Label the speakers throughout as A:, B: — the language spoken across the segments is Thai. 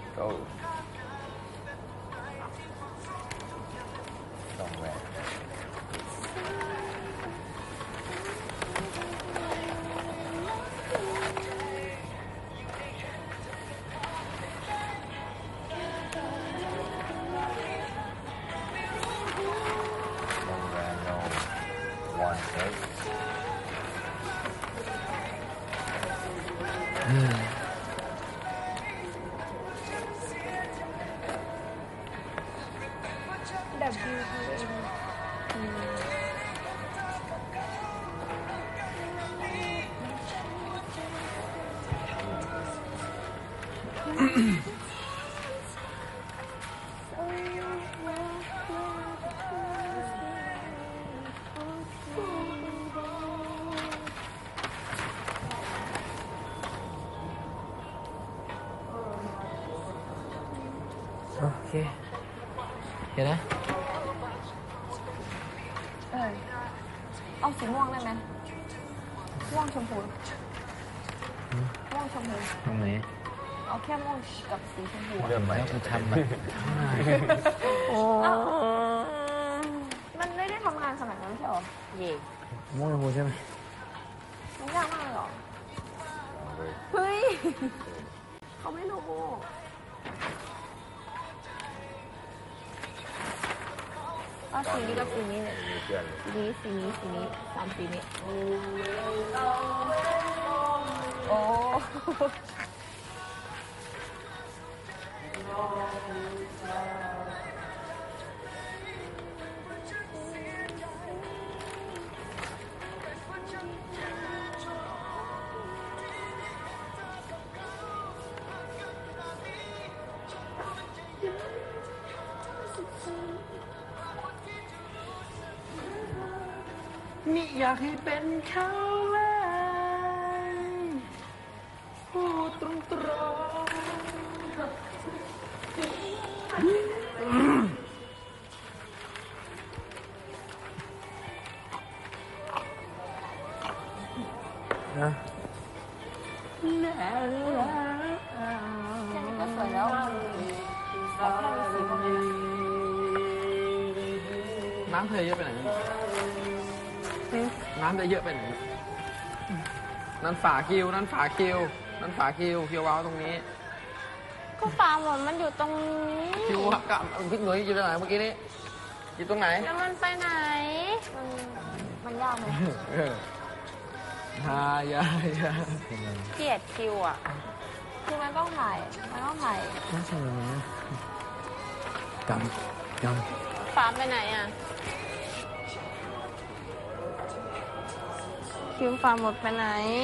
A: go ส่งแหวน
B: โอเคเดี๋ยวนะ
C: เอาสีม่วงได้ไหมม่วงชมพูม่วงชมพู
B: ตรงไหน
C: เอาแค่ม่วงกับสีชมพู
A: เริ่มไหม
B: คุณทำแบบ
C: มันไม่ได้ทำงานขนาดนั้นใช่หรอเย่
B: ม่วงชมพูใช่ไหม
C: มันยากมากเลยหรอเฮ้ยเขาไม่รู้เอาสีนี้กับสีนี้เนี่ยสีนี้สามสีนี้โอ้
B: นี่อยากให้เป็นเขาเลยพูดตรงนะ
C: แค่นี้ก็สวยแล้ว
B: น้ำเธอเยอะไปไหนน้ำเธอเยอะไปไหนนั่นฝาคิวเคียวว้าวตรงนี้
C: ก็ฝาหมดมันอยู่ตรงนี้
B: คิวกับพี่หนุ่ยอยู่ตรงไหนเมื่อกี้นี้อยู่ตรงไหน
C: แล้วมันไปไหนมันยากไหม
B: อย่า
C: เกลียดคิวอ่ะคือมันต้องถ่าย
B: น่าใช่ไหมจำ
C: ฝาไปไหนอ่ะคิวฝาหมดไปไหน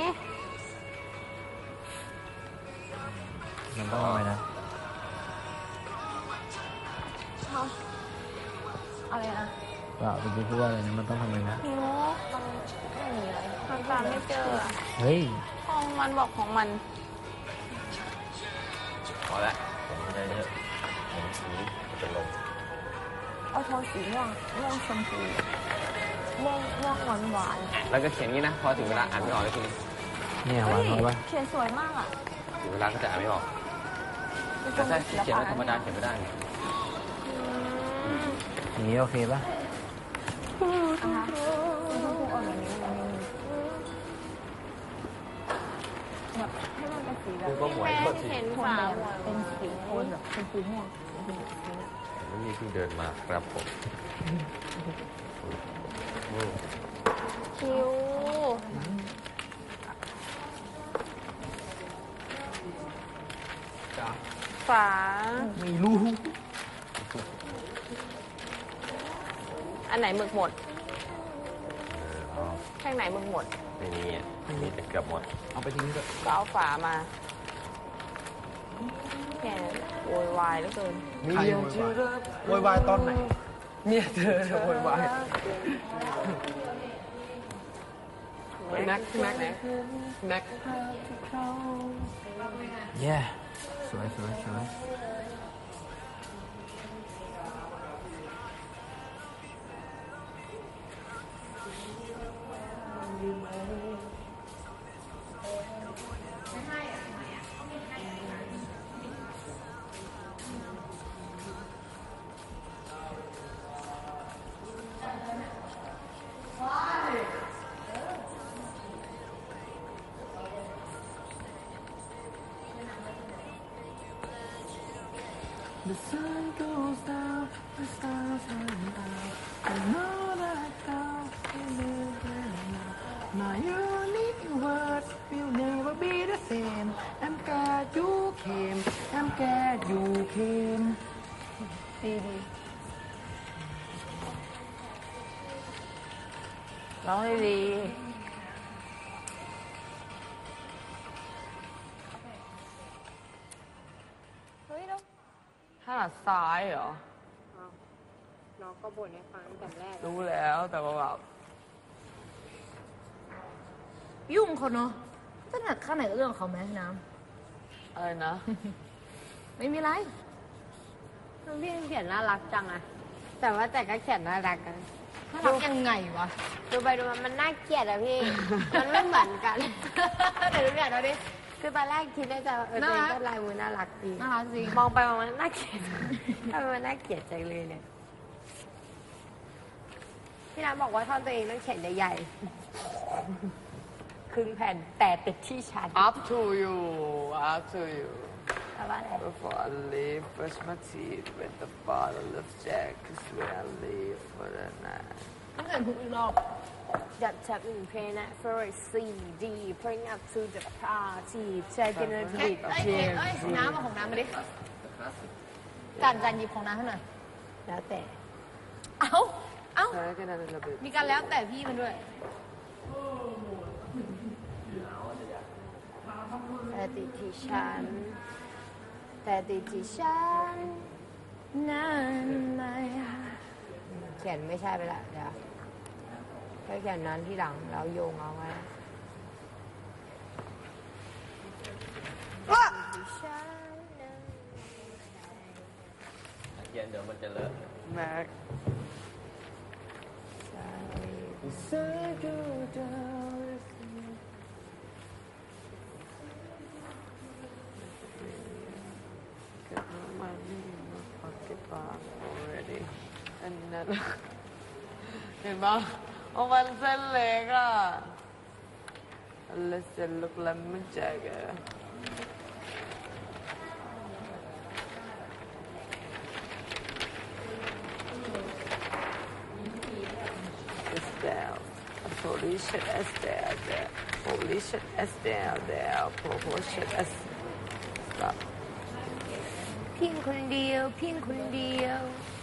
B: มันต้องอะไรนะ
C: อะไรนะ
B: เปล่าเป็นพูดว่าอะไรนะมันต้องทำอะไรนะ
C: คิวมันไม่มีอะไรมันตามไม่เจอ
B: เฮ้ย
C: ของมันบอกของมัน
A: พอละผมไม่ได้เยอะผมสีจะลง
C: เอาโทนสีม่วงชมพูม่วงหวาน
A: แล้วก็เขียนงี้นะพอถึงเวลาอ่านไม่ออกเลยทีนี้
B: เนี่ยหวานน้อยปะ
C: เขียนสวยมากอ่ะ
A: ถึงเวลาก็จะอ่านไม่ออกแต่ถ้าเขียนธรรมดาเขียนไม่ได้
B: อย่างนี้โอเคปะ
C: นะคะชมพูอ่อนแบบนี้แบบให้มันเป็นสีแบบ
A: เห็น
C: ฝาเป็นสีโทนแบบชมพูม่วง
A: นี่เพิ่งเดินมาครับผม
C: คิวฝา
B: ไม่รู้
C: อันไหนหมึกหมดแท่งไหนหมึกหมด
A: ไม่มีอ่ะมีแต่เกือบหมด
B: เอาไปทิ้งก็
C: เอาฝามาแกโวยวายเหลือเกิน
B: มีโวยวายตอนไหนเมียเธอโวยวายแน็กเย้สวย The sun goes down, the stars shine out. I know that God will live now. My universe will never be the same. I'm glad you came. I'm glad you came.
C: ดีร้องให้ดี เฮ้ยเนาะ
B: ถนัดซ้ายเหรอ
D: น้องก็บ่นให้ฟังตั้งแต่แรก
B: รู้แล้วแต่ว่าแบบ
C: ยุ่งเขาเนาะถนัดข้างไหนก็เรื่องของเขาไหมน้
B: อะไรนะ
C: ำไม่มีไร
D: พี่เขียนน่ารักจังอะแต่ว่าแต่ก็เขียนน่ารักกัน
C: น่ารักยังไงวะ
D: ดูไปดูมามันน่าเกลียดอะพี่ มันไม่เหมือนกัน
C: เดี๋ยวดูเนี่ยเราดิ
D: คือตอนแรกคิดในใจว่าตัวเองก็ลายมือน่ารักดี
C: น่ารักจริง
D: มองไปมองมาน่าเกลียดทำไมมันน่าเกลียดจังเลยเนี่ยพี่น้ำบอกว่าท่อนตัวเองต้องเขียนใหญ่ๆครึ่งแผ่นแต่ติดที่ชั้น
B: up to you up to you
D: แปลว่าอะไร
B: Before I leave, brush my teeth with a bottle of Jack. 'Cause when I leave for the night.
C: ต้องเกิดทุกรอบ
D: Dub tap in play that for a CD bring up to the party taking a
C: เอ้ย
D: bit
C: เอ้ยเอ้ยน้ำเอาของน้ำมาดิจานหยิบของน้ำให้หน่อย
D: แล้วแต่
C: เอ้า เอ้า
B: Can I get another bit?
C: มีการแล้วแต่พี่มันด้วย
D: แต่ติดที่ฉันแต่ติดที่ฉันนั้นไม่เขียนไม่ใช่ไปละเดี๋ยวก็เขียนนั้นที่หลังแล้วโยงเอาไว้ที่ฉันนั้น
A: เย็นเดี๋ยวมันจะเลอะ
B: Mac.
D: ใช่
B: Say go down. Got no money in my pocket bar already. And then เห็นปะเอามันเส้นเล็กอ่ะแล้วเส้นลูกละมันแจกอะ Estelle, holy shit, Estelle, there. Holy shit, Estelle, there. Holy shit, Estelle.
D: พิงคนเดียวพิงคนเดียว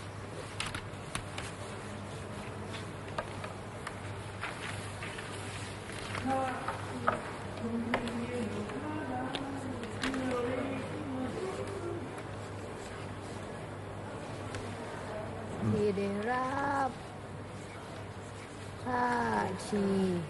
D: ที่ได้รับท่าที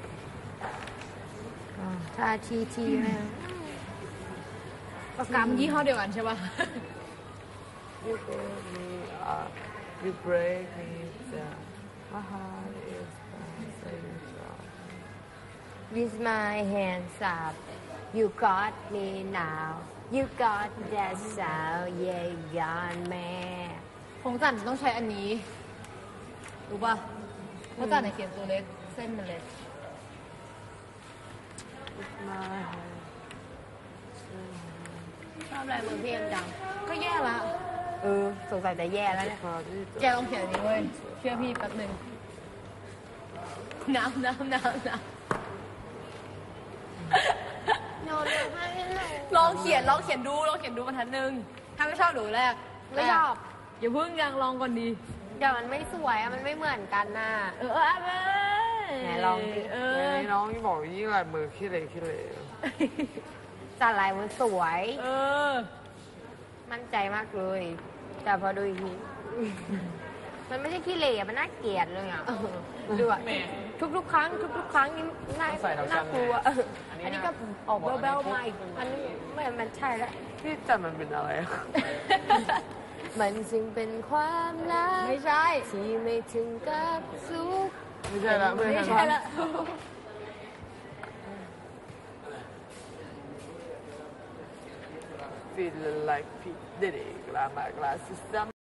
D: ท่าทีที่แม่
C: ปากกามันยี่ห้อเดียวกันใช่ป่ะ
B: You break me up, you break me down. My heart is bouncing strong.
D: With my hands up you got me now you got that sound yeah gone man
C: ของจันต้องใช้อันนี้ รู้ป่ะเพราะจันเนี่ยเขียนตัวเล็ก เส้นมันเล็ก
B: With my hands.
D: ชอบอะไรมือพี่เอ็มจัง
C: ก็แย่ละ
D: สงสัยจะแย่แล้วเนี่ย
C: แกลองเขียนอันนี้เว้ย เชื่อพี่แป๊บหนึ่งน้ำ
D: โน้ตให้หนู
C: ลองเขียนบรรทัดหนึ่งถ้าไม่ชอบหนูแรก
D: ไม่ชอบ
C: อย่าเพิ่งยังลองก่อนดี
D: เดี๋ยวมันไม่สวยอะมันไม่เหมือนกันน่ะ ไหนลองดิ
B: น้องที่บอกยิ่งลายมือขี้เหร่ขี้เหร่
D: จัดลายมันสวย
C: อ
D: มั่นใจมากเลย แต่พอดูอีกที มันไม่ใช่ขี้เหร่อะมันน่าเกลียดเลยอ่ะดูอ่ะทุกๆครั้งนี่น่ากลัวอันนี้ก็ออกเบลๆมาอีกอันนี้ไม่มันใช่แล้ว
B: ที่จัดมันเป็นอะไรอะ
D: มันจึงเป็นความรัก
C: ไม่ใช่
D: ที่ไม่ถึงกับสุข
B: ไม่ใช่ละไม่
C: ไม่
B: ใช่
C: ใช่
B: ละ
C: ละ
B: Feeling like P Diddy, got my glasses down.